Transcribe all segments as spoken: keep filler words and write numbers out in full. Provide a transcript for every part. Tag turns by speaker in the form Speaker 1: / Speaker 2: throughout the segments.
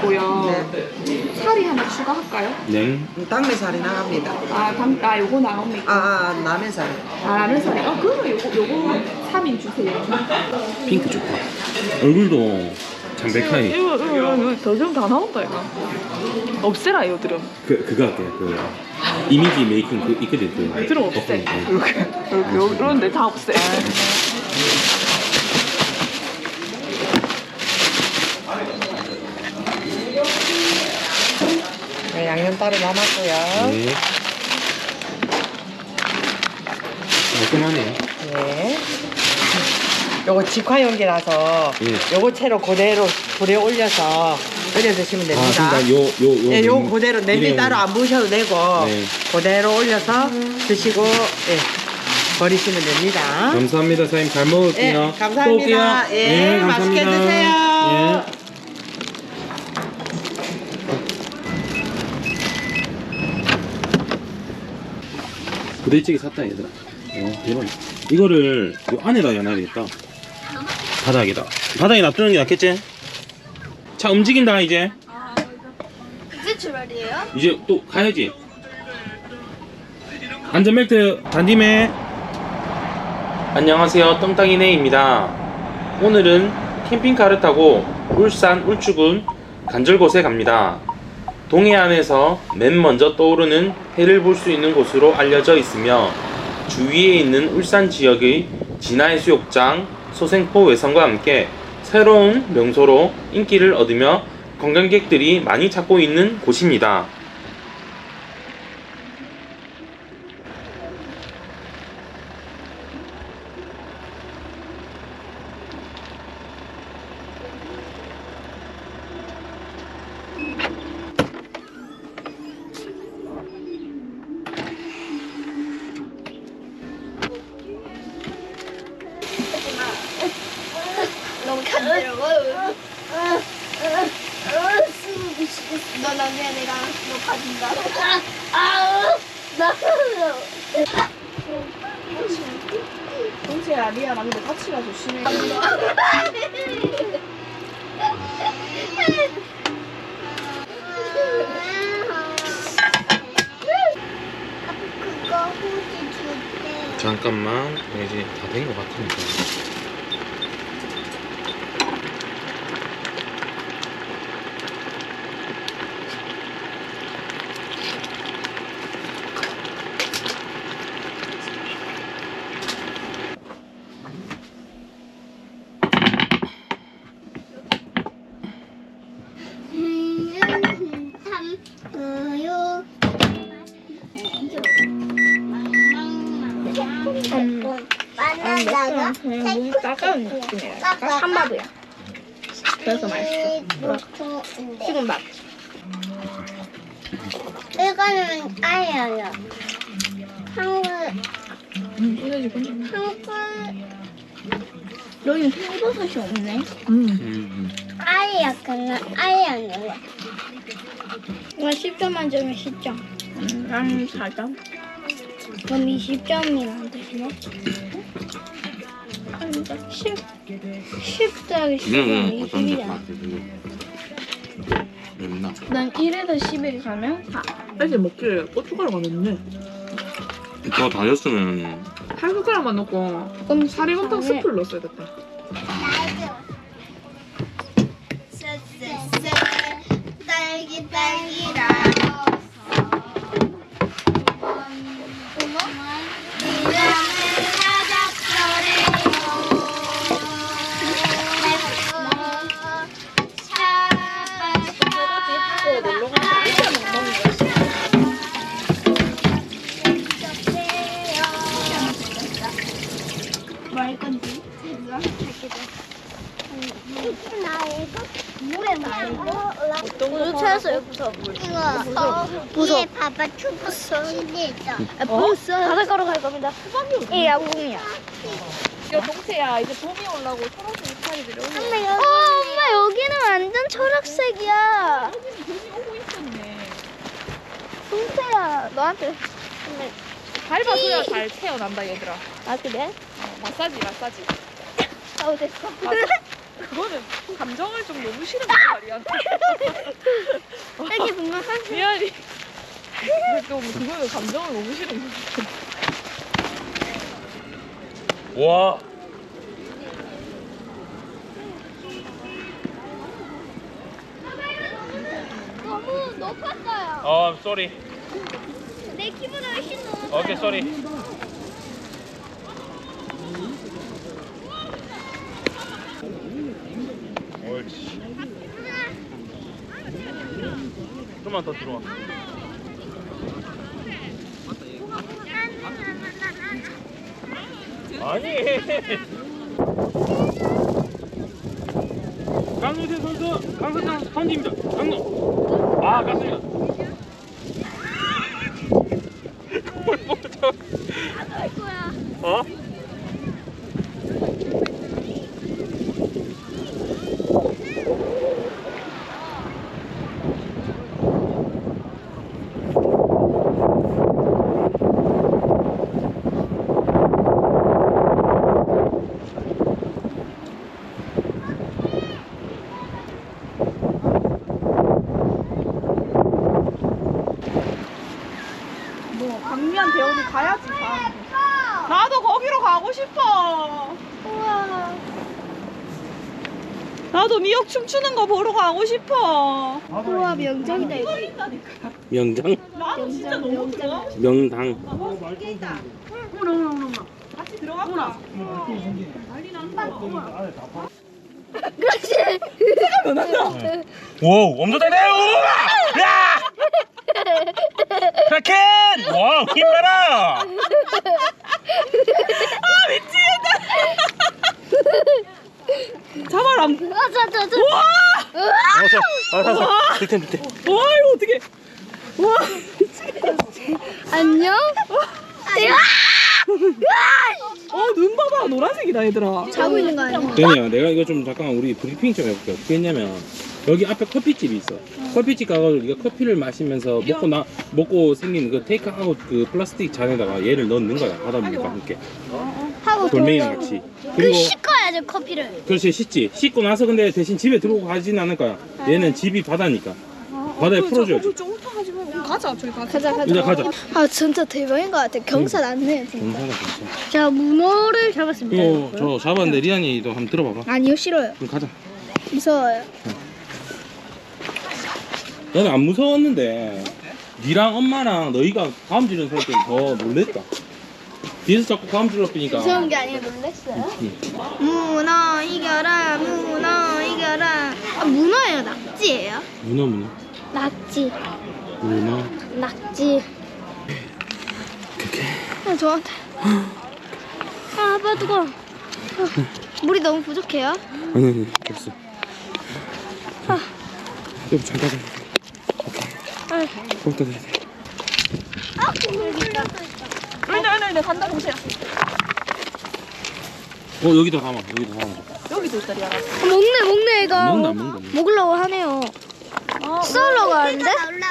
Speaker 1: 있고요.
Speaker 2: 네.
Speaker 1: 살이 하나 추가할까요?
Speaker 3: 네.
Speaker 2: 당면살이 나갑니다.
Speaker 1: 아, 당, 아 요거 나옵니까?
Speaker 2: 아, 아, 라면살.
Speaker 1: 아, 라면살이. 어, 그러면 요거, 요거 삼 인 주세요.
Speaker 3: 핑크 좋다. 얼굴도 담백하게.
Speaker 1: 이거, 이거, 이거 더좀 다 나온다, 이거. 없애라, 이거 들음.
Speaker 3: 그 그거 할게요. 그 이미지 메이킹 그 있거든. 그
Speaker 1: 들음 없애.
Speaker 3: 네.
Speaker 1: 이렇게. 이렇게. 이런데 다 없애.
Speaker 2: 네, 양념 따로 남았고요.
Speaker 3: 네. 깔끔하네.
Speaker 2: 네. 요거 직화용기라서
Speaker 3: 네.
Speaker 2: 요거 채로 그대로 불에 올려서 끓여 드시면 됩니다.
Speaker 3: 아, 그러니까 요 요 요.
Speaker 2: 네, 요
Speaker 3: 냄-
Speaker 2: 그대로 냄비
Speaker 3: 일회용.
Speaker 2: 따로 안 부으셔도 되고
Speaker 3: 네.
Speaker 2: 그대로 올려서 드시고 예, 버리시면 됩니다.
Speaker 3: 감사합니다, 사장님. 잘 먹을게요.
Speaker 2: 예, 감사합니다.
Speaker 3: 또 올게요.
Speaker 2: 예,
Speaker 3: 네,
Speaker 2: 맛있게
Speaker 3: 감사합니다.
Speaker 2: 드세요.
Speaker 3: 예. 부대찌개 샀다 얘들아. 어, 대박. 이거를 요 안에다 놔야 되겠다. 바닥에다. 바닥에 놔두는 게 낫겠지? 차 움직인다 이제.
Speaker 4: 이제 출발이에요?
Speaker 3: 이제 또 가야지. 안전벨트 단디매. 안녕하세요, 떵땅이네입니다. 오늘은 캠핑카를 타고 울산 울주군 간절곶에 갑니다. 동해안에서 맨 먼저 떠오르는 해를 볼 수 있는 곳으로 알려져 있으며 주위에 있는 울산 지역의 진화해수욕장, 소생포 외선과 함께 새로운 명소로 인기를 얻으며 관광객들이 많이 찾고 있는 곳입니다.
Speaker 4: 너무 간지러워. 너 나중에 내가 너 봐준다. 아우 나.
Speaker 1: 동채야, 미안하. 근데 같이 가 조심해.
Speaker 4: 그거 후기 줄게.
Speaker 3: 잠깐만, 이제 다 된 것 같으니까.
Speaker 4: 우유. 바나나가
Speaker 1: 문 따가운 느낌이야. 약간 한밥이야. 그래서 맛있어. 지금 맛.
Speaker 4: 이거는 아예요. 한국
Speaker 1: 음, 이거 지금.
Speaker 4: 한국
Speaker 1: 여기는 새우버섯이 없네. 음.
Speaker 3: 음,
Speaker 4: 아예 약간 아예 아니에요.
Speaker 5: 이거 십 점 만점에 십 점.
Speaker 1: 음, 난 사 점.
Speaker 5: 그럼 이십 점이면 되시나? 십, 십 더하기 십이면 이십이잖아.
Speaker 3: 맵나?
Speaker 5: 난 일에서 십일 가면 사.
Speaker 1: 사실 먹기에 고춧가루가 넣네.
Speaker 3: 더 다녔으면
Speaker 1: 한 숟가락만 넣고
Speaker 5: 그럼
Speaker 1: 사리곰탕
Speaker 5: 사네.
Speaker 1: 스프를 넣었어야 됐다.
Speaker 4: 딸기 딸기라.
Speaker 5: 뭐 할 건지?
Speaker 4: 나 이거 물에 말고
Speaker 5: 우유 찾았어요, 부서.
Speaker 4: 이거
Speaker 5: 무서워.
Speaker 4: 위에 봐봐 튜브 시리 있어.
Speaker 5: 아, 벌써 바닷가로 갈 겁니다. 이 야구공이야.
Speaker 1: 야, 동태야, 이제 봄이 올라고 초록색 이파리들이 오고.
Speaker 5: 어, 엄마 여기는 완전 초록색이야.
Speaker 1: 봄이 오고 있었네.
Speaker 5: 동태야, 너한테.
Speaker 1: 밟아줘야 잘 태어난다, 얘들아.
Speaker 5: 아 그래?
Speaker 1: 어, 마사지, 마사지.
Speaker 5: 아우 됐어.
Speaker 1: 마사, 그거는 감정을 좀 너무 싫은 거야 말이야.
Speaker 5: 딸기 분명 한
Speaker 1: 미안해. 또 그거는 감정을 너무 싫은 거야.
Speaker 3: 와.
Speaker 5: 너무 높았어요.
Speaker 3: 어, 쏘리.
Speaker 5: 내 키보다 훨씬 높았어요.
Speaker 3: 오케이, 쏘리. 옳지. 좀만 더 들어와. 아니. 강노재 선수, 강선장 선지입니다. 강노. 아, 갔습니다. 뭘 못쳐?
Speaker 5: 할 거야.
Speaker 3: 어?
Speaker 1: 뭐 박미한테 어디 가야지. 가. 나도 거기로 가고 싶어.
Speaker 5: 우와.
Speaker 1: 나도 미역 춤추는 거 보러 가고 싶어.
Speaker 5: 우와 명장이다 이거.
Speaker 3: 명장?
Speaker 1: 나도 진짜 너무 좋아.
Speaker 3: 명당.
Speaker 1: 같이 들어갈까?
Speaker 5: 그렇지.
Speaker 3: 오, 엄청 잘해요! 야! 크라켄! 와, 힘내라!
Speaker 1: 잡아라.
Speaker 5: 아, 자, 자, 자.
Speaker 1: 우와!
Speaker 3: 알았어, 알았어. 밑에, 밑에.
Speaker 1: 와 이거 어떻게? 와.
Speaker 5: 안녕.
Speaker 1: 어 눈 봐봐 노란색이다 얘들아.
Speaker 5: 자고 있는 거 아니야?
Speaker 3: 대니야, 내가 이거 좀 잠깐 우리 브리핑 좀 해볼게. 어떻게 했냐면 여기 앞에 커피집이 있어. 커피집 가가지고 네가 커피를 마시면서 먹고 나 먹고 생긴 그 테이크아웃 그 플라스틱 잔에다가 얘를 넣는 거야. 바닷물과 함께.
Speaker 5: 하고
Speaker 3: 돌멩이랑
Speaker 5: 돌려고.
Speaker 3: 같이.
Speaker 5: 그
Speaker 3: 그리고
Speaker 5: 씻어야죠 커피를.
Speaker 3: 그렇지, 씻지. 씻고 나서 근데 대신 집에 들어오고 가진 않을 거야. 얘는 집이 바다니까. 바다에 풀어줘야지.
Speaker 1: 좀 훑어가지 말고 가자 저기 가자.
Speaker 5: 가자 가자.
Speaker 3: 이제 가자.
Speaker 5: 아 진짜 대박인 것 같아. 경사 났네. 진짜.
Speaker 3: 괜찮아, 괜찮아.
Speaker 5: 자 문어를 잡았습니다.
Speaker 3: 이거 저 잡았는데 리안이도 한번 들어봐봐.
Speaker 5: 아니요 싫어요.
Speaker 3: 그럼 가자.
Speaker 5: 무서워요.
Speaker 3: 나는 안 무서웠는데 니랑 엄마랑 너희가 다음 지른 살 때 더 놀랬다. 뒤에서 자꾸 다음 질렀으니까.
Speaker 5: 무서운 게 아니라 놀랬어요.
Speaker 3: 응.
Speaker 5: 문어 이겨라 문어 이겨라. 아 문어예요 낙지예요?
Speaker 3: 문어 문어
Speaker 5: 낙지
Speaker 3: 문어.
Speaker 5: 낙지. 아 저한테. 아 아빠 뜨거. 아, 물이 너무 부족해요.
Speaker 3: 아니 아니 됐어.
Speaker 5: 아.
Speaker 3: 좀 잠깐. 오케이. 거기다 대야 돼.
Speaker 5: 아 여기 있다.
Speaker 1: 아니 아니 아니 간다 동시야.
Speaker 3: 어 여기다 담아. 여기다 담아.
Speaker 1: 여기도 있다 리아라.
Speaker 5: 아, 먹네 먹네 얘가.
Speaker 3: 먹는다, 먹는다.
Speaker 5: 먹으려고 하네요.
Speaker 1: 아
Speaker 5: 썰러 가는데?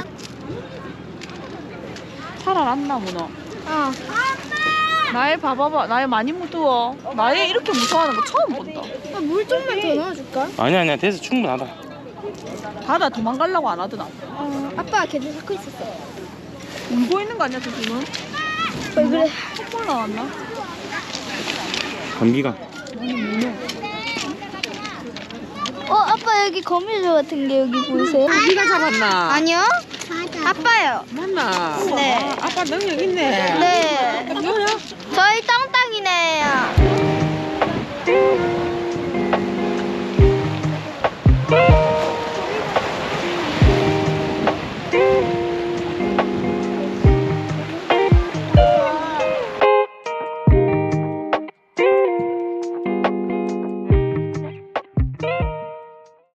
Speaker 1: 살아났나 문어.
Speaker 5: 어.
Speaker 1: 나의 봐봐봐 나의 많이 무서워. 나의 이렇게 무서워하는 거 처음 본다.
Speaker 5: 아, 물 좀만 더 넣어줄까?
Speaker 3: 아니 아니야 됐어 충분하다.
Speaker 1: 바다 도망가려고 안 하더나.
Speaker 5: 어, 아빠가 걔들 잡고 있었어.
Speaker 1: 울고 있는 거 아니야 저 지금?
Speaker 5: 왜 그래?
Speaker 1: 콧볼 나왔나?
Speaker 3: 감기가.
Speaker 5: 어 아빠 여기 거미줄 같은 게 여기 보이세요?
Speaker 2: 네가 잡았나?
Speaker 5: 아니요.
Speaker 4: 맞아.
Speaker 5: 아빠요.
Speaker 2: 맞나?
Speaker 5: 네.
Speaker 2: 아, 아빠 능력 있네.
Speaker 5: 네.
Speaker 2: 뭐야?